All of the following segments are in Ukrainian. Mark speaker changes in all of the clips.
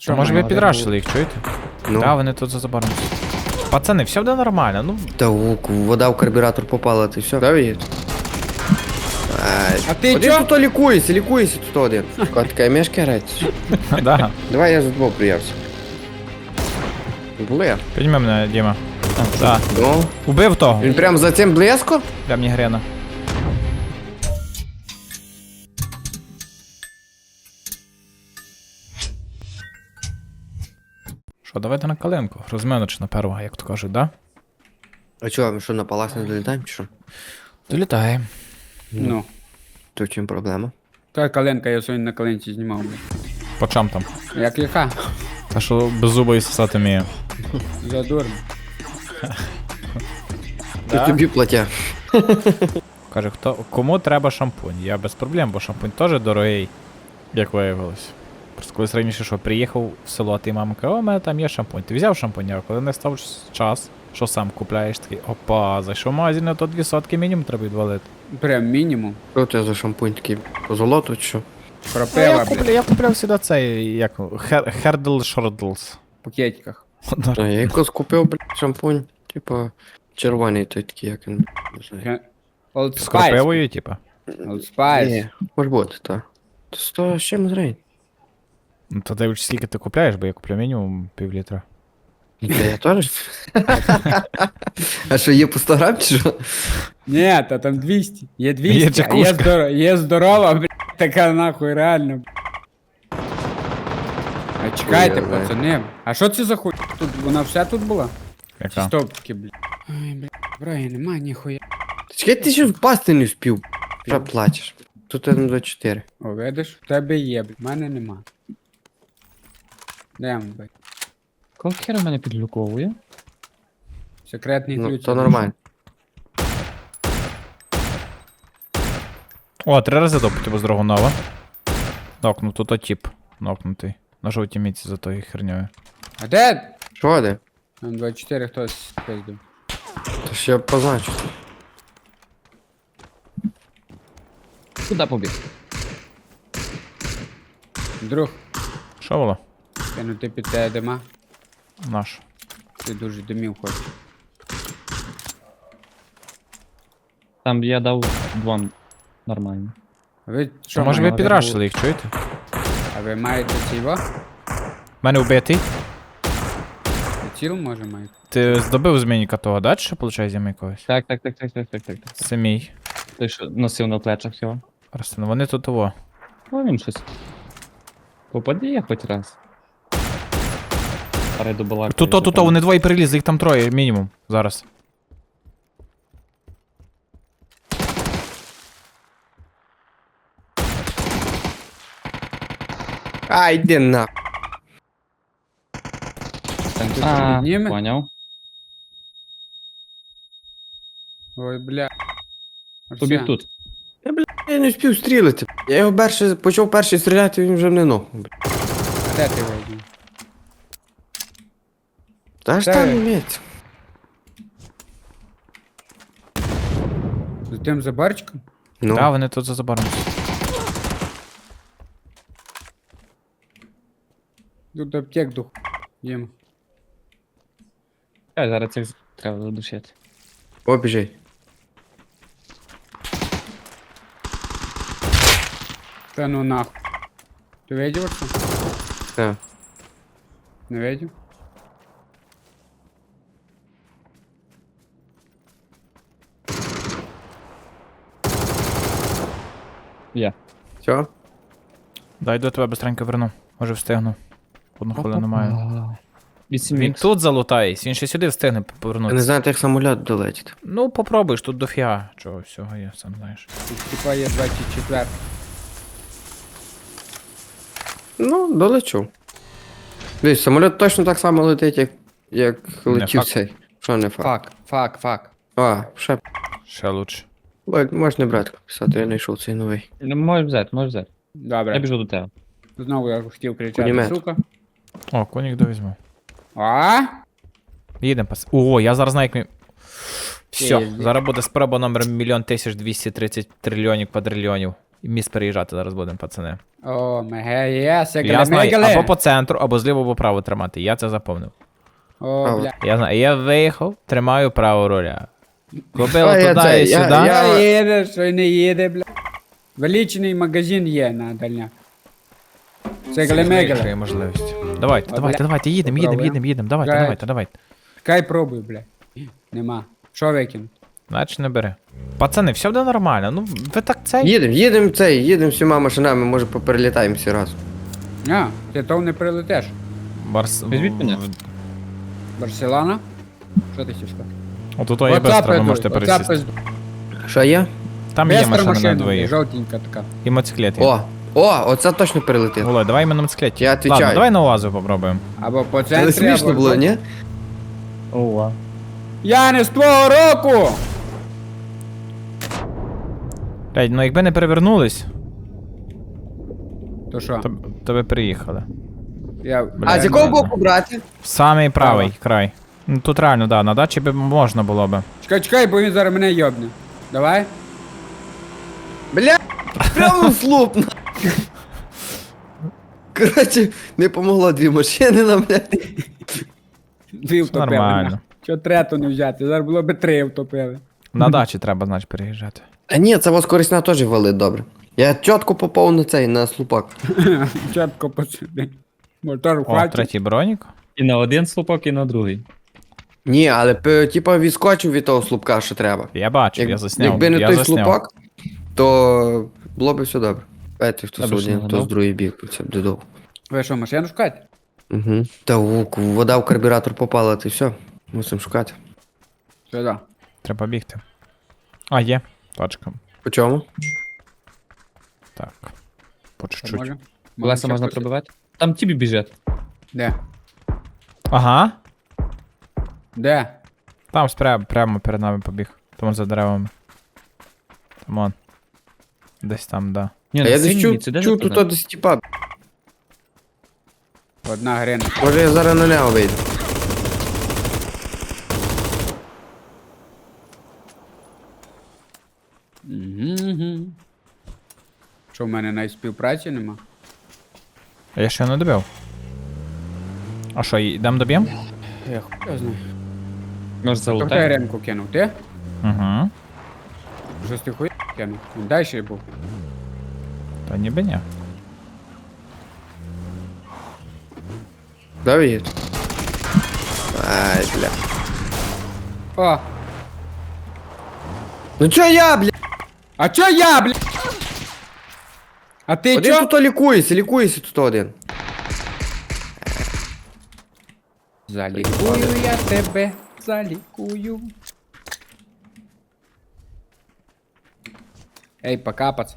Speaker 1: Що,
Speaker 2: Може ви
Speaker 1: маємо
Speaker 2: підрашили їх, чуєте?
Speaker 3: Ну,
Speaker 2: Да, вони тут за забором. Пацани, все буде нормально, ну.
Speaker 3: та вода в карбюратор попала, ти все. Да, є?
Speaker 1: А ти
Speaker 3: Один
Speaker 1: чо?
Speaker 3: тут лікується тут один. Така мешка грається.
Speaker 2: Да.
Speaker 3: Давай я за двох приявся. Бле.
Speaker 2: Підніми мене, Діма. Да.
Speaker 3: Ну,
Speaker 2: Убив того.
Speaker 3: він прям за цим блеско?
Speaker 2: Для мені грена. Що, давайте на калинку. Розминочна на перва, як то кажуть, да?
Speaker 3: А чого, ми що, на палас не долітаємо чи що?
Speaker 2: Долітає.
Speaker 1: Ну.
Speaker 3: То в чим проблема?
Speaker 1: Та каленка, я сьогодні на каленці знімав, блядь.
Speaker 2: По чам там?
Speaker 1: Як яка?
Speaker 2: Та що без зуба і сосати вміє.
Speaker 1: Задурно.
Speaker 3: Тут тобі платя.
Speaker 2: Каже, кому треба шампунь? Я без проблем, бо шампунь теж дорогий, як виявилось. Просто колись раніше, що приїхав в село, а ти мама каже, о, у мене там є шампунь. Ти взяв шампунь, а коли не став час, що сам купляєш, такий, опа, зайшов в магазин, а то 2 сотки мінімум треба відвалити.
Speaker 1: Прям мінімум.
Speaker 3: Що це за шампунь такий? По золоту чи що?
Speaker 1: Кропива, блядь.
Speaker 2: Я купляв сюди цей, як, Хердл Шордлс.
Speaker 1: В пакетиках.
Speaker 3: А я якось купив, блядь, шампунь. Типа червоний той такий, як він. Не знаю.
Speaker 1: Old
Speaker 2: З
Speaker 1: Spice.
Speaker 2: кропивою, типа.
Speaker 1: Old Spice.
Speaker 3: Ні, може бути, так. То 100 з чим зрень.
Speaker 2: Ну то дивись, скільки ти купляєш, бо я куплю мінімум пів-літра.
Speaker 3: Та я теж. А що, є по 100 грам чи що?
Speaker 1: Ні, та там 200. Є 200,
Speaker 2: Є
Speaker 1: а
Speaker 2: чекушка.
Speaker 1: є здорова, блядь, така нахуй, реально. блядь. А чекайте,
Speaker 3: Ой, ой.
Speaker 1: пацани. А що це за хуй? Тут вона вся тут була? Чи
Speaker 2: Яка?
Speaker 1: стовпки, блядь. Ой, блядь, брає, нема ніхуя.
Speaker 3: Чекай, ти ще впасти не вспів. Що плачеш? Тут 1,24.
Speaker 1: О, видиш? В тебе є, блядь, в мене нема. Дем, блядь.
Speaker 4: Кого хера мене підлюковує?
Speaker 1: Секретний
Speaker 3: Ну,
Speaker 1: ключ.
Speaker 3: то нормально.
Speaker 2: О, 3 рази допити без Драгунова. Нокнув, тут тип. Нокнутий. На жовтій міці за тою херньою.
Speaker 1: А де?
Speaker 3: Що де?
Speaker 1: Там 24 хтось пиздив.
Speaker 3: То ще позначу.
Speaker 4: Куди побіг?
Speaker 1: Друг,
Speaker 2: Що було?
Speaker 1: кинути під тебе дима.
Speaker 2: Наш.
Speaker 1: Ти дуже димів хочеш.
Speaker 4: Там я дав 2 нормально.
Speaker 1: А ви
Speaker 2: Що,
Speaker 1: що,
Speaker 2: може ви
Speaker 1: маєте?
Speaker 2: підрашили їх, чуєте?
Speaker 1: А ви маєте ціво?
Speaker 2: Мене вбитий.
Speaker 1: Ціл може маєте?
Speaker 2: Ти здобив змінника того, да? Чи що, виходить, зіми якогось?
Speaker 4: Так.
Speaker 2: Це мій.
Speaker 4: Той, що носив на плечах його.
Speaker 2: Просто, ну вони тут того.
Speaker 4: Ну він щось. Попади я хоч раз. Перейду балаку.
Speaker 2: Тут, вони двоє перелізли, їх там 3 мінімум. Зараз.
Speaker 3: А, йди на.
Speaker 1: Там ти
Speaker 4: А,
Speaker 1: підніме?
Speaker 4: поняв.
Speaker 1: Ой, бля.
Speaker 4: Побіг
Speaker 1: Арсен,
Speaker 4: тут.
Speaker 3: Я не встиг стрілити. Я його почав перший стріляти, він вже не ног.
Speaker 1: А де ти вийдеш?
Speaker 3: Та ж
Speaker 1: Та-
Speaker 3: там іметь.
Speaker 1: За тим забарчиком?
Speaker 3: Ну,
Speaker 2: Да, вони тут за забором.
Speaker 1: Тут аптек дух. Їм.
Speaker 4: Зараз цих треба задушити.
Speaker 3: о, біжи.
Speaker 1: Та ну нахуй. Ти видів оце?
Speaker 3: Так.
Speaker 1: Не видів?
Speaker 4: Є.
Speaker 3: Все?
Speaker 2: Дай до тебе быстренько верну. Може встигну. 1 хвилину маю.
Speaker 4: 8
Speaker 2: Він
Speaker 4: мікс.
Speaker 2: тут залутається, він ще сюди встигне
Speaker 3: Я не
Speaker 2: повернутися.
Speaker 3: знаю, як самоліт долетить.
Speaker 2: Ну, попробуєш, тут дофіга чого всього є, сам знаєш.
Speaker 1: Тут типа є 24.
Speaker 3: Ну, долечу. Дивись, самоліт точно так само летить, як летів
Speaker 2: факт.
Speaker 3: цей. Що не факт?
Speaker 1: Фак.
Speaker 3: А, ще.
Speaker 2: Ще лучше.
Speaker 3: Можеш не брати писати, я знайшов цей новий.
Speaker 4: Ну, можеш взяти. Я
Speaker 1: Добре.
Speaker 4: біжу до тебе.
Speaker 1: Знову я хотів кричати,
Speaker 3: Пулемет.
Speaker 1: сука.
Speaker 2: О, конік довізьму.
Speaker 1: А?
Speaker 2: Їдемо пас. О, я зараз знаю, як ми. Все,
Speaker 1: Пізді.
Speaker 2: зараз буде спроба номер 1 230 трильйонів квадрильйонів. міст переїжджати зараз будемо, пацани.
Speaker 1: О, меге, є,
Speaker 2: Я знаю, або
Speaker 1: сегале.
Speaker 2: по центру, або зліво, або право тримати. Я це запомнив.
Speaker 1: О, бля.
Speaker 2: Я знаю, я виїхав, тримаю право руля. Купив
Speaker 3: А, я
Speaker 2: туди
Speaker 3: це,
Speaker 2: і
Speaker 3: я-
Speaker 2: сюди.
Speaker 1: Я їде, що й не їде, бля. Величний магазин є на дальня. Сегале
Speaker 2: Якщо
Speaker 1: мегале.
Speaker 2: є можливість. Давайте,
Speaker 1: О,
Speaker 2: давайте,
Speaker 1: бля.
Speaker 2: давайте, їдемо,
Speaker 1: Попробуємо.
Speaker 2: давайте,
Speaker 1: Давай.
Speaker 2: давайте, давайте.
Speaker 1: Кай пробуй, бля. Нема. Що викинути?
Speaker 2: Значить не бери. Пацани, все буде нормально. Ну, ви так цей.
Speaker 3: Їдемо всіма машинами, може поперелітаємо всі разом.
Speaker 1: А, ти то не прилетиш.
Speaker 4: Візьміть мене.
Speaker 1: Барселона? Що ти хотів сказати?
Speaker 2: Отут є бестро, ви можете пересісти.
Speaker 3: Що є?
Speaker 2: Там є
Speaker 1: Бестра
Speaker 2: машина на
Speaker 1: машина,
Speaker 2: двоїх.
Speaker 1: жовтенька така.
Speaker 2: І мотоциклет є.
Speaker 3: Оце точно перелетить.
Speaker 2: Володь, давай ми на мотоциклеті.
Speaker 3: Я
Speaker 2: Ладно,
Speaker 3: отвечаю.
Speaker 2: давай на УАЗу попробуємо.
Speaker 1: Або по
Speaker 3: Це
Speaker 1: центрі,
Speaker 3: не смішно
Speaker 1: або...
Speaker 3: було, ні?
Speaker 4: Ова.
Speaker 1: Я не з твого року!
Speaker 2: Блядь, ну якби не перевернулись,
Speaker 1: То що?
Speaker 2: то ви приїхали.
Speaker 1: Я...
Speaker 3: А з якого боку брати?
Speaker 2: Самий правий край. Ну тут реально, да, на дачі би можна було би.
Speaker 1: Чекай, бо він зараз мене йобне. Давай.
Speaker 3: Бля, прямо слуп. Коротше, не помогло дві машини нам, блядь.
Speaker 1: Дві втопили.
Speaker 2: нормально.
Speaker 1: Чого трету не взяти? Зараз було би три втопили.
Speaker 2: На дачі треба, значить, переїжджати.
Speaker 3: А ні, це вас корисна теж валить добре. Я чітко попав на цей, на слупак.
Speaker 1: Чітко посиди. Мотор в
Speaker 2: О,
Speaker 1: хаті.
Speaker 2: третій бронік.
Speaker 4: І на один слупок, і на другий.
Speaker 3: Ні, але типа відскочив від того слупка, що треба.
Speaker 2: Я бачив, я засняв.
Speaker 3: Якби не
Speaker 2: я
Speaker 3: той
Speaker 2: засняв.
Speaker 3: слупак, то було б все добре. Ето, хто
Speaker 4: Або ж
Speaker 3: сьогодні,
Speaker 4: не
Speaker 3: хто з
Speaker 4: гадав.
Speaker 3: другий бік, це буде довго.
Speaker 1: Ви що, машину шукати?
Speaker 3: Угу. Та вода в карбюратор попала, то все. Мусимо шукати.
Speaker 1: Сюди.
Speaker 2: Треба бігти. А, є. Точка.
Speaker 3: По чому?
Speaker 2: Так. По чуть-чуть.
Speaker 1: Може?
Speaker 4: Колеса можна
Speaker 1: ще
Speaker 4: пробивати? Там тібі біжать.
Speaker 1: Де?
Speaker 2: Ага.
Speaker 1: Де?
Speaker 2: Там прямо перед нами побіг. Тому за деревами. Там он. Десь там, да.
Speaker 4: Ні,
Speaker 3: А
Speaker 4: на
Speaker 3: я десь
Speaker 4: синій
Speaker 3: чув,
Speaker 4: ніці, де
Speaker 3: чув
Speaker 4: ти
Speaker 3: тут десь типа.
Speaker 1: Одна грина.
Speaker 3: Може я зараз на нього вийду.
Speaker 1: Угу. Що в мене навіть співпраці нема?
Speaker 2: А я ще не добив. А що, йдемо доб'єм?
Speaker 1: Я хуй знаю.
Speaker 4: Може
Speaker 1: Хто хто
Speaker 4: залутає?
Speaker 1: ремку кинув? Ти?
Speaker 2: Угу.
Speaker 1: Щось ти хуй кинув? Він далі був.
Speaker 2: Та ніби ні.
Speaker 3: Давид. Ай, бля.
Speaker 1: О!
Speaker 3: Ну чо я, бля?
Speaker 1: А чо я, бля? А ти
Speaker 3: Один
Speaker 1: чо?
Speaker 3: тут лікується тут один.
Speaker 1: Залікую я тебе, залікую. Ей, пока, пацан.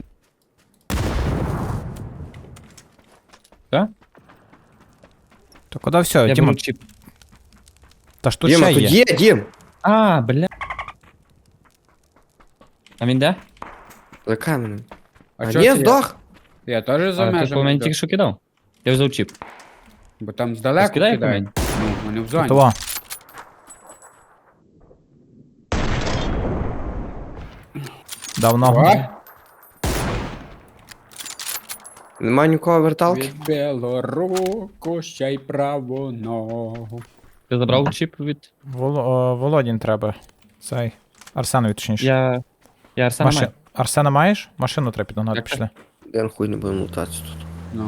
Speaker 4: Так?
Speaker 2: То куди все,
Speaker 4: Я
Speaker 2: Діма?
Speaker 4: беру чіп.
Speaker 2: Та ж тут
Speaker 3: Діма,
Speaker 2: ще
Speaker 3: тут
Speaker 2: є.
Speaker 3: є, Дім.
Speaker 4: А, бля. А він де?
Speaker 3: За каменем. А
Speaker 1: чо
Speaker 3: ні,
Speaker 1: ти-
Speaker 3: здох.
Speaker 1: Я теж за
Speaker 4: А, ти по
Speaker 1: межами.
Speaker 4: мені
Speaker 1: йду.
Speaker 4: тільки що кидав. Я взяв чіп.
Speaker 1: Бо там здалеку
Speaker 4: Скидай по
Speaker 1: кидають.
Speaker 4: мені.
Speaker 1: Ну, вони в зоні.
Speaker 2: Того. Дав ногу.
Speaker 1: О,
Speaker 3: Нема нікого верталки.
Speaker 1: відбило руку, ще й праву ногу.
Speaker 4: Ти забрав чіп від.
Speaker 2: Володін треба. Цей. Арсенові точніше.
Speaker 4: Я Арсена маю.
Speaker 2: Арсена маєш? Машину треба підогнати,
Speaker 4: Так,
Speaker 2: пішли.
Speaker 3: Я хуй не будемо лутатися тут.
Speaker 1: Ну.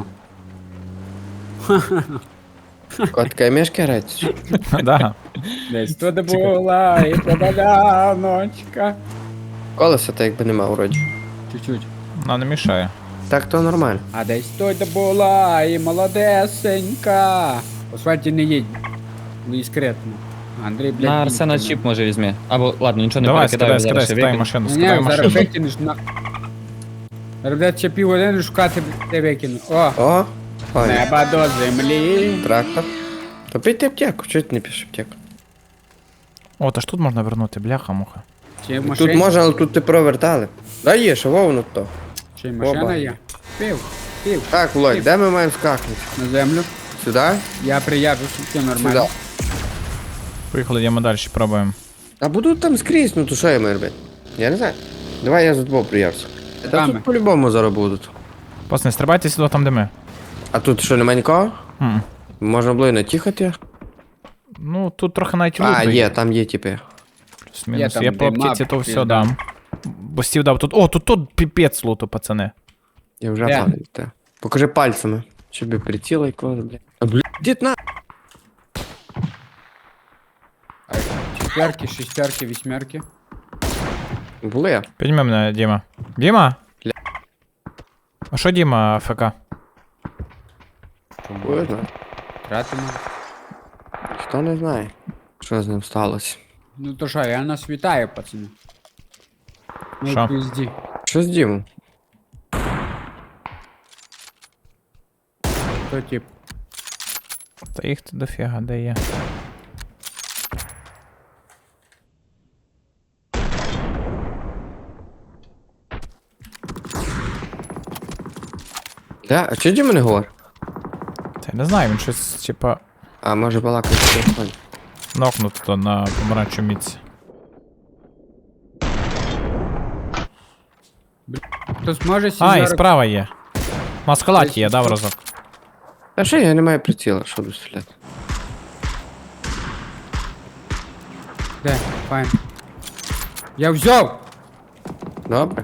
Speaker 3: Котка і мешка грається?
Speaker 2: Да.
Speaker 1: Десь туди була і подаляночка.
Speaker 3: Колеса так якби нема вроді.
Speaker 1: Чуть-чуть.
Speaker 2: Ну, не мішає.
Speaker 3: Так то нормально.
Speaker 1: А десь туди була і молодесенька. В асфальті не їдь. Дискретно. Андрій, блядь.
Speaker 4: На Арсена
Speaker 1: їдь,
Speaker 4: чіп може візьми. Або ладно, нічого не
Speaker 2: Давай,
Speaker 4: перекидаю,
Speaker 2: скидай,
Speaker 4: зараз
Speaker 2: скидай,
Speaker 4: ще
Speaker 2: скидай
Speaker 4: викину.
Speaker 2: машину,
Speaker 1: Ні,
Speaker 2: скидай
Speaker 1: зараз
Speaker 2: машину.
Speaker 1: викинеш на... Зараз, блядь, ще півгодини шукати, блядь, де викину. О,
Speaker 3: О, ой,
Speaker 1: неба до землі.
Speaker 3: трактор. То пийте аптеку, чого ти не пішеш аптеку?
Speaker 2: О, та ж тут можна вернути, бляха-муха.
Speaker 1: Чи
Speaker 3: Тут
Speaker 1: машина,
Speaker 3: можна, але тут ти провертали. Да є, що вовно то.
Speaker 1: чи машина
Speaker 3: Оба.
Speaker 1: є? Пів,
Speaker 3: Так, Володь, де ми маємо скакнути?
Speaker 1: на землю.
Speaker 3: Сюди?
Speaker 1: Я приїжджу, все нормально.
Speaker 3: Сюди.
Speaker 2: Поїхали, йдемо далі, пробуємо.
Speaker 3: А буду там скрізь, ну то що я маю робити? Я не знаю. Давай я за тобою приявся. Та
Speaker 1: Саме.
Speaker 3: тут по-любому зараз будуть.
Speaker 2: Пацани, стрибайте сюди там, де ми.
Speaker 3: А тут що, нема нікого?
Speaker 2: М.
Speaker 3: Можна було і натіхати?
Speaker 2: Ну, тут трохи навіть луту
Speaker 3: А, є, там є типи.
Speaker 2: Плюс-мінус.
Speaker 1: Є
Speaker 2: Я
Speaker 1: там
Speaker 2: по
Speaker 1: дима,
Speaker 2: аптеці то все
Speaker 1: пізда.
Speaker 2: дам. Бо стів дав тут. О, тут піпець луту, пацани.
Speaker 3: Я вже
Speaker 1: Де?
Speaker 3: падаю, те. Покажи пальцями. Щоб і приціла якогось, блядь. А, блядь, дід на.
Speaker 1: Четверки, шестерки, вісьмерки.
Speaker 3: Були.
Speaker 2: Підніми мене, Діма. Діма?
Speaker 3: Ля.
Speaker 2: А що Діма ФК?
Speaker 3: Були, знаю.
Speaker 1: Тратимо.
Speaker 3: Ніхто не знає, що з ним сталося.
Speaker 1: Ну то що, я нас вітаю, пацани. Ну,
Speaker 2: Що?
Speaker 1: пізді.
Speaker 3: Що з Дімом?
Speaker 1: То тип.
Speaker 2: Та їх тут дофіга, де є.
Speaker 3: Де? А чого Діма не говорить?
Speaker 2: Та я не знаю, він щось, типа,
Speaker 3: А, може балакати в телефоні.
Speaker 2: нокнув то на помаранчу міці.
Speaker 1: Хтось може
Speaker 2: А, і
Speaker 1: сімерок.
Speaker 2: справа є. Маскалаті є, дав разок.
Speaker 3: Та що я не маю приціла, що буду стріляти.
Speaker 1: Де? Файн. Я взяв!
Speaker 3: Добре.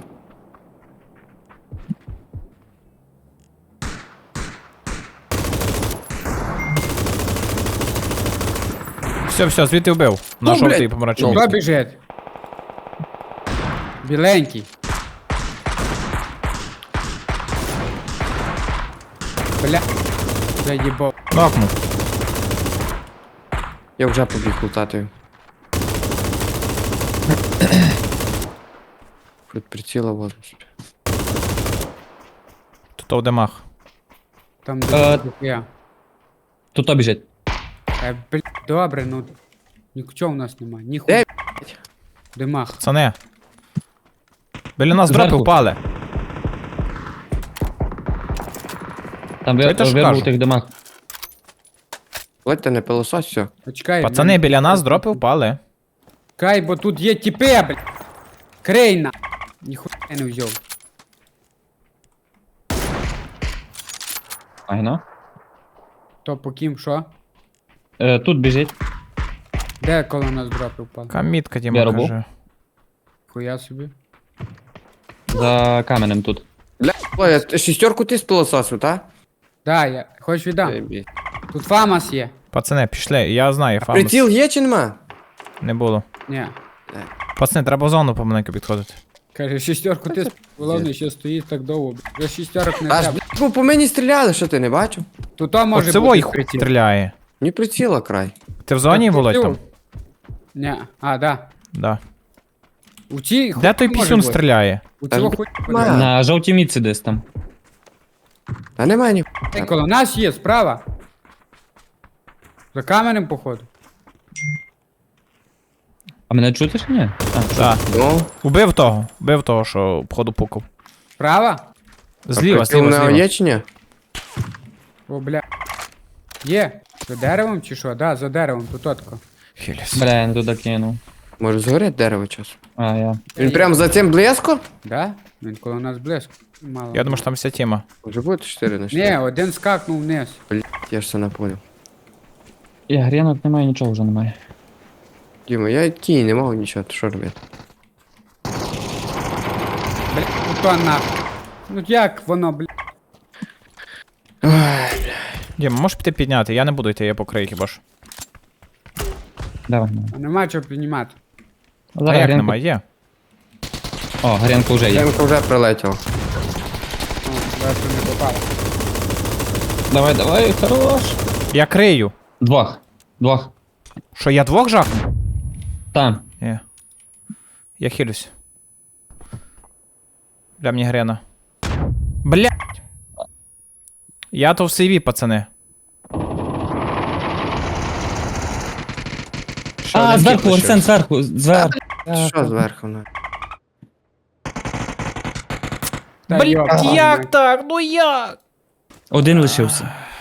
Speaker 2: Все, звідти вбив. На
Speaker 3: Ну,
Speaker 2: жовтий
Speaker 3: блядь.
Speaker 2: помаранчу
Speaker 3: Ну,
Speaker 1: Хто
Speaker 2: міці.
Speaker 1: біжить? Біленький. Бля. Заїбав.
Speaker 2: Нокнув.
Speaker 3: Я вже побіг лутати. Тут приціла возьму собі.
Speaker 2: Тут в демах.
Speaker 1: Там
Speaker 4: Е,
Speaker 1: де я.
Speaker 4: Тут то біжить.
Speaker 1: Бля, добре, ну. Нічого в нас нема. Ніхуя.
Speaker 3: Де,
Speaker 1: Димах.
Speaker 2: Пацани. Біля нас
Speaker 4: Зверху.
Speaker 2: дропи впали.
Speaker 4: Там
Speaker 2: Що я теж
Speaker 4: вибув
Speaker 2: кажу?
Speaker 4: тих домах.
Speaker 3: Ледь не пилосось, все.
Speaker 1: Почекай.
Speaker 2: Пацани, біля нас дропи впали.
Speaker 1: Чекай, бо тут є тіпи, бля. Крейна. Ніхуя не взяв.
Speaker 4: Айно.
Speaker 1: То по ким, що?
Speaker 4: Тут біжить.
Speaker 1: Де коло нас дропи впали?
Speaker 2: Камітка, Діма
Speaker 4: Я робив.
Speaker 2: каже.
Speaker 1: Хуя собі.
Speaker 4: За каменем тут.
Speaker 3: Бля, ой, а шістерку ти з пилососу, та?
Speaker 1: Да, я. Хоч віддам.
Speaker 3: Ебі.
Speaker 1: Тут фамас є.
Speaker 2: Пацани, пішли, я знаю, фамус.
Speaker 3: Приціл є чи нема?
Speaker 2: Не було.
Speaker 1: Ні.
Speaker 2: Пацани, треба в зону помаленьку підходити.
Speaker 1: Каже, шістерку ти головне, ще стоїть так довго. бля. Вже шістерок не
Speaker 3: Аж,
Speaker 1: треба.
Speaker 3: блядь, бо по мені стріляли, що ти не бачив?
Speaker 1: Тут то може
Speaker 2: Оце
Speaker 1: бути
Speaker 2: вой хуй
Speaker 1: приціл.
Speaker 2: стріляє.
Speaker 3: Ні приціла край.
Speaker 2: Ти в зоні,
Speaker 1: Так,
Speaker 2: Володь,
Speaker 1: приціл.
Speaker 2: там?
Speaker 1: Ні. А, да.
Speaker 2: Да.
Speaker 1: У цій
Speaker 2: Де той
Speaker 1: хуй може
Speaker 2: пісюн
Speaker 1: бути.
Speaker 2: стріляє?
Speaker 1: У
Speaker 3: Та
Speaker 1: цього
Speaker 3: ж,
Speaker 1: хуй
Speaker 3: нема.
Speaker 1: буде.
Speaker 4: На жовтій мітці десь там.
Speaker 3: Та немає ні.
Speaker 1: Ей, коло нас є, справа. За каменем, походу.
Speaker 4: А мене чути чи ні?
Speaker 2: Так.
Speaker 3: Ну,
Speaker 2: Убив того, що походу пукав.
Speaker 1: Справа?
Speaker 2: Зліва,
Speaker 3: приціл
Speaker 2: зліва,
Speaker 3: в нього
Speaker 2: зліва.
Speaker 3: є чи ні?
Speaker 1: О, бля. Є. За деревом чи що? Да, за деревом, тут отко.
Speaker 2: Хіліс.
Speaker 4: Бля, я не туди кинув.
Speaker 3: Може згорить дерево час.
Speaker 4: А, я.
Speaker 3: Він прям за цим близько?
Speaker 1: Да? Він коло нас близько. Мало.
Speaker 2: Я думаю, що там вся тема.
Speaker 3: Може бути 4 на 4.
Speaker 1: Ні, один скакнув вниз.
Speaker 3: Блядь, я ж це не понял.
Speaker 4: І грінок немає, нічого вже немає.
Speaker 3: Діма, я кій не мав нічого, то що робити?
Speaker 1: Бля, ну то нахуй. Ну як воно, бля.
Speaker 2: Діма, можеш піти підняти? Я не буду йти, я покрию хіба ж.
Speaker 4: Давай.
Speaker 1: Нема чого піднімати.
Speaker 2: А
Speaker 4: Зараз
Speaker 2: як
Speaker 4: грінку.
Speaker 2: немає? Є.
Speaker 4: О, грінка вже є.
Speaker 3: Ямка вже прилетіла.
Speaker 1: О, зверху не попало.
Speaker 4: Давай, хорош.
Speaker 2: Я крию.
Speaker 4: Двох.
Speaker 2: Що, я двох жахну?
Speaker 4: Там.
Speaker 2: Ні. Я хилюсь. Бля, мені грена. Бля. Я то в сейві, пацани. Ще один
Speaker 4: Зверху,
Speaker 2: кіт
Speaker 4: Арсен,
Speaker 2: лишився.
Speaker 4: зверху.
Speaker 3: Що зверху? Ну?
Speaker 1: Та
Speaker 2: Блядь,
Speaker 1: йоп,
Speaker 2: як так? Ну як?
Speaker 4: Один лишився.